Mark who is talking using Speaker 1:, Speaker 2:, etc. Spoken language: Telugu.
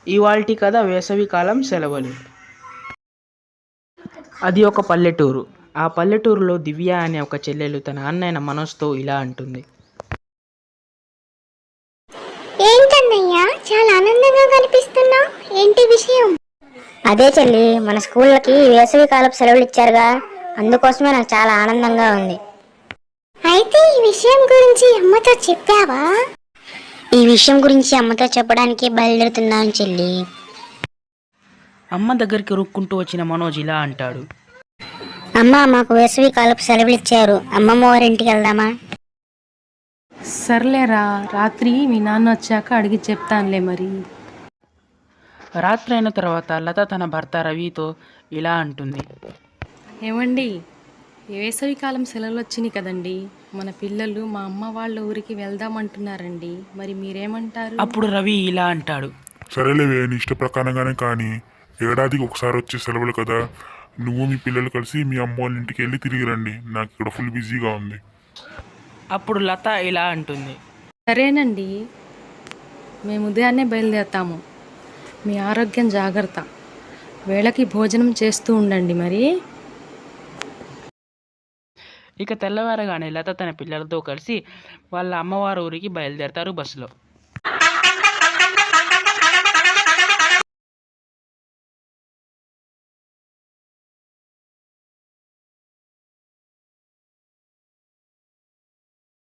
Speaker 1: ఇవాల్టి కథ వేసవికాలం సెలవులు. అది ఒక పల్లెటూరు. ఆ పల్లెటూరులో దివ్య అనే ఒక చెల్లెలు తన అన్నయ్య మనోజ్తో ఇలా అంటుంది.
Speaker 2: ఏంటన్నయ్యా, చాలా ఆనందంగా కనిపిస్తున్నావు. ఏంటి విషయం?
Speaker 3: అదే చెల్లి, మన స్కూళ్ళకి వేసవి కాలపు సెలవులు ఇచ్చారుగా, అందుకోసమే నాకు చాలా ఆనందంగా ఉంది.
Speaker 2: అయితే ఈ విషయం గురించి అమ్మతో చెప్పావా?
Speaker 3: ఈ విషయం గురించి అమ్మతో చెప్పడానికి బయలుదేరుతున్నాను చెల్లి.
Speaker 1: అమ్మ దగ్గరికి రుక్కుంటూ వచ్చిన మనోజ్ ఇలా అంటాడు.
Speaker 3: అమ్మ, మాకు వేసవి కాలపు సెలవులు ఇచ్చారు, అమ్మమ్మ వారి ఇంటికి వెళ్దామా?
Speaker 4: సర్లేరా, రాత్రి మీ నాన్న వచ్చాక అడిగి చెప్తానులే. మరి
Speaker 1: రాత్రి అయిన తర్వాత లత తన భర్త రవితో ఇలా అంటుంది.
Speaker 4: ఏమండి, వేసవికాలం సెలవులు వచ్చినాయి కదండి, మన పిల్లలు మా అమ్మ వాళ్ళ ఊరికి వెళ్దామంటున్నారండి. మరి మీరేమంటారు?
Speaker 1: అప్పుడు రవి ఇలా అంటాడు.
Speaker 5: సరేలేవే, నీ ఇష్ట ప్రకారంగానే, కానీ ఏడాదికి ఒకసారి వచ్చే సెలవులు కదా, నువ్వు మీ పిల్లలు కలిసి మీ అమ్మ వాళ్ళ ఇంటికి వెళ్ళి తిరిగి రండి. నాకు ఇక్కడ ఫుల్ బిజీగా ఉంది.
Speaker 1: అప్పుడు లత ఇలా అంటుంది.
Speaker 4: సరేనండి, మేము ఉదయాన్నే బయలుదేరుతాము. మీ ఆరోగ్యం జాగ్రత్త, వేళకి భోజనం చేస్తూ ఉండండి. మరి
Speaker 1: ఇక తెల్లవారగానే లత తన పిల్లలతో కలిసి వాళ్ళ అమ్మవారి ఊరికి బయలుదేరతారు బస్సులో.